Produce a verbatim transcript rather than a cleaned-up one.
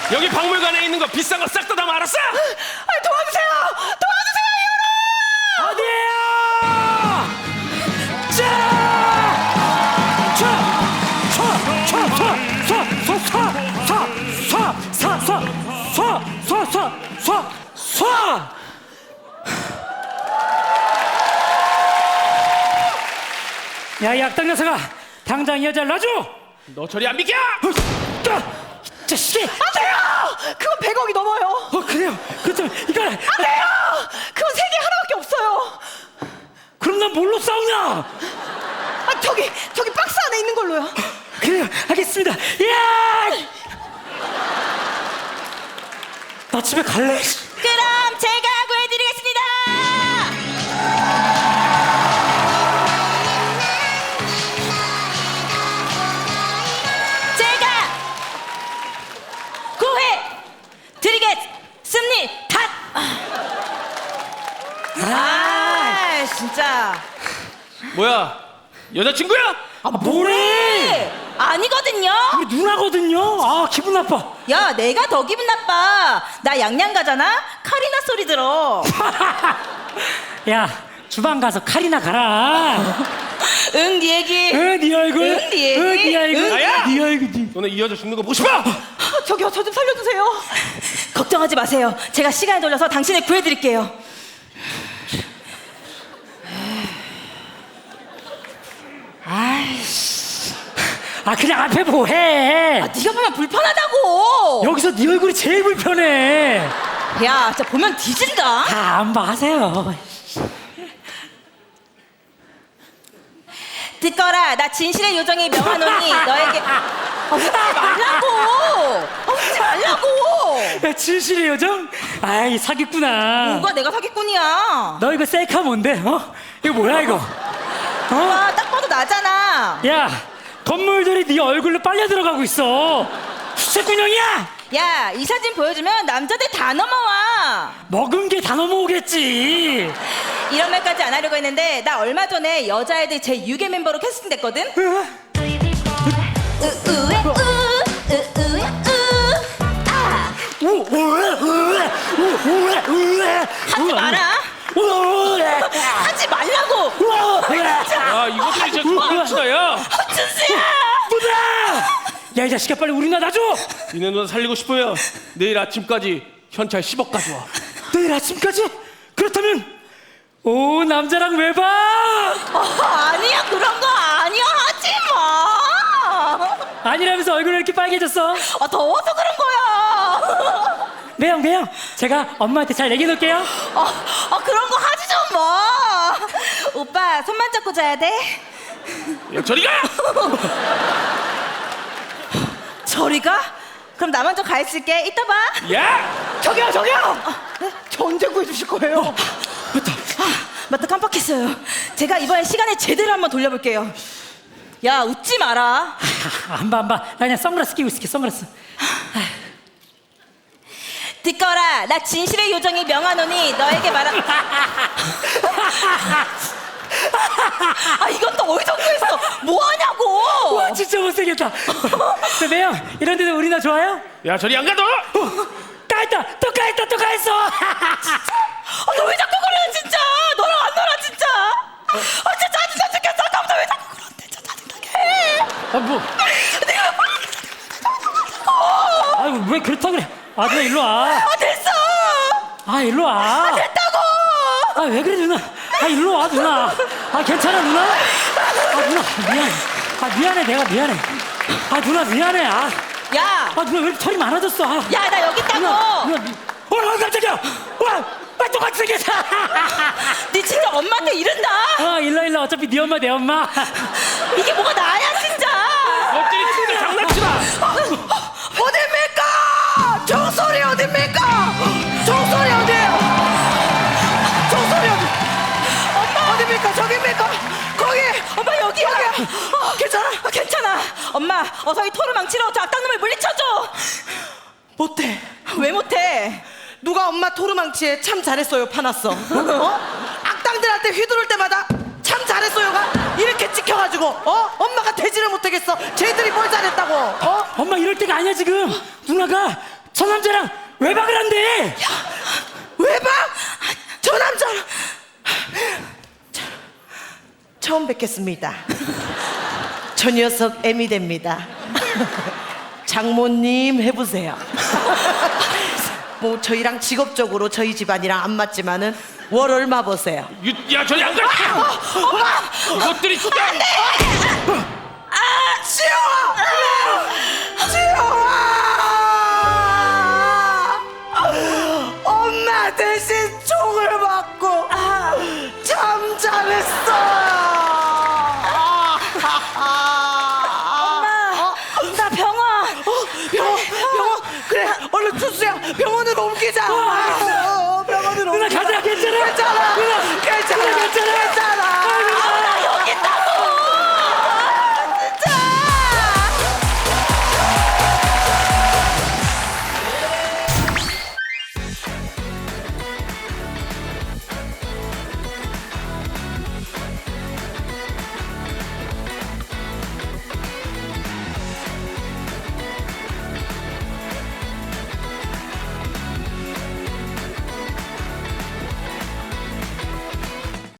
여기 박물관에 있는 거 비싼 거 싹 다 담아 알았어? 아, 도와주세요! 도와주세요, 어디에요? 자! 자! 쏴! 쏴! 쏴! 쏴! 쏴! 쏴! 쏴! 쏴! 쏴! 쏴! 쏴! 쏴! 쏴! 쏴! 야, 이 악당 녀석아! 당장 이 여자를 놔줘! 너 저리 안 비켜! 자식이! 안 돼요! 그건 백억이 넘어요. 어, 그래요? 그렇다면 이걸! 안 돼요! 그건 세계 하나밖에 없어요. 그럼 난 뭘로 싸우냐? 아, 저기, 저기 박스 안에 있는 걸로요. 그래요, 알겠습니다. 야! 나 집에 갈래. 그럼 제가 구해드리겠습니다. 제가 구해드리겠습니다. 아, 진짜. 뭐야? 여자친구야? 아, 뭐래? 아니거든요. 우리 누나거든요. 아, 기분 나빠. 야, 내가 더 기분 나빠. 나 양양 가잖아. 카리나 소리 들어. 야, 주방 가서 칼이나 가라. 응, 네 얘기. 응, 네 얼굴. 응, 네 얘기. 응, 네 얼굴. 응. 나야? 네 얼굴. 네. 너네 이 여자 죽는 거 보고 싶어? 아, 저기요, 저 좀 살려주세요. 걱정하지 마세요. 제가 시간을 돌려서 당신을 구해드릴게요. 아, 그냥 앞에 뭐해? 아, 네가 보면 불편하다고. 여기서 네 얼굴이 제일 불편해. 야, 진짜 보면 뒤진다. 아, 안 봐, 하세요. 듣거라. 나 진실의 요정이 명하노니 너에게 아, 웃지 말라고. 아, 웃지 말라고. 야, 진실의 요정? 아이, 사기꾼아. 누가 내가 사기꾼이야. 너 이거 셀카 뭔데? 어? 이거 뭐야, 이거? 어? 와, 딱 봐도 나잖아. 야, 건물들이 네 얼굴로 빨려 들어가고 있어. 수채꾼형이야? 야, 이 사진 보여주면 남자들 다 넘어와. 먹은 게 다 넘어오겠지. 이런 말까지 안 하려고 했는데 나 얼마 전에 여자애들 제 육 회 멤버로 캐스팅됐거든. 어? 우우에 우, 우우에 우. 아, 우, 우에, 우에, 우, 우에, 우에. 하지 마라. 우에. 하지 말라고. 우에. 야, 이것들이 진짜 좋아하시다, 야! 준수야. 누나! 야, 이 자식아, 빨리 우리 누나 놔줘. 니네 누나 살리고 싶으면 내일 아침까지 현찰 십억 가져와. 내일 아침까지? 그렇다면 오, 남자랑 외박. 어, 아니야, 그런 거 아니야. 하지 마. 아니라면서 얼굴이 이렇게 빨개졌어. 아, 더워서 그런 거야. 매형, 매형, 제가 엄마한테 잘 얘기해놓을게요. 아, 아, 그런 거 하지 좀 마. 오빠 손만 잡고 자야 돼. 야, 저리 가! 저리 가? 그럼 나 먼저 가 있을게. 이따 봐. 야! 저기요, 저기요! 저 언제 구해주실 거예요? 아, 맞다, 깜빡했어요. 제가 이번에 시간을 제대로 한번 돌려볼게요. 야, 웃지 마라. 안 봐, 안 봐. 나 그냥 선글라스 끼고 있을게, 선글라스. 듣거라. 나 진실의 요정이 명하노니 너에게 말하. 아, 이건 또 어디서 구했어? 뭐 하냐고. 와, 진짜 못생겼다. 저 매형, 이런 데도 우리 누나 좋아요? 야, 저리 안 가, 너! 어, 까했다, 또 까했다, 또 까했어. 아, 너 왜 자꾸 그래, 진짜. 너랑 안 놀아, 진짜. 아, 진짜 짜증나 죽겠어. 아까부터 왜 자꾸 그런데, 진짜 짜증나게 해. 아, 뭐? 내가 아이고, 왜 그렇다 그래? 아, 누나 일로 와. 아, 됐어. 아, 일로 와. 됐다고. 아, 왜 그래, 누나? 아, 일로 와, 누나. 아, 괜찮아, 누나? 아, 누나, 미안해. 아, 미안해, 내가 미안해. 아, 누나, 미안해. 아, 야, 아 누나 왜 이렇게 털이 많아졌어? 아. 야, 나 여기 있다고. 누나, 누나, 미- 어, 어, 깜짝이야. 와, 아, 똑같이 생겼어. 니 진짜 엄마한테 이른다. 어, 일로 일로. 어차피 네 엄마, 내 엄마. 이게 뭐가 나야, 진짜. 너들이 진짜 장난치나! 어딥니까? 종소리 어딥니까? 종소리 어디에요? 종소리 어디? 엄마 어딥니까? 저깁니까? 거기! 엄마 여기야. 어, 괜찮아? 아, 괜찮아. 엄마, 어서 이 토르 망치로 저 악당놈을 물리쳐줘. 못해. 왜 못해? 누가 엄마 토르망치에 참 잘했어요 파놨어. 어? 악당들한테 휘두를 때마다 참 잘했어요가 이렇게 찍혀가지고 어? 엄마가 되지를 못하겠어. 쟤들이 뭘 잘했다고 어? 엄마 이럴 때가 아니야 지금. 누나가 저 남자랑 외박을 한대. 외박? 저 남자랑 저, 처음 뵙겠습니다. 저 녀석 애미 됩니다. 장모님 해보세요. 뭐 저희랑 직업적으로 저희 집안이랑 안 맞지만은 월 얼마 버세요? 유, 야 저리 안 가! 이것들이 진짜! 아, 지영아! 지영아! 엄마 대신 총을 맞고 참 잘했어. 엄마, 나 병원. 병원, 병원. 그래, 얼른 투수야. 병원으로 옮기자. 어, 병원으로 누나 옮기자. 가자. 괜찮아. 괜찮아. 누나 괜찮아. 누나 괜찮아. 괜찮아.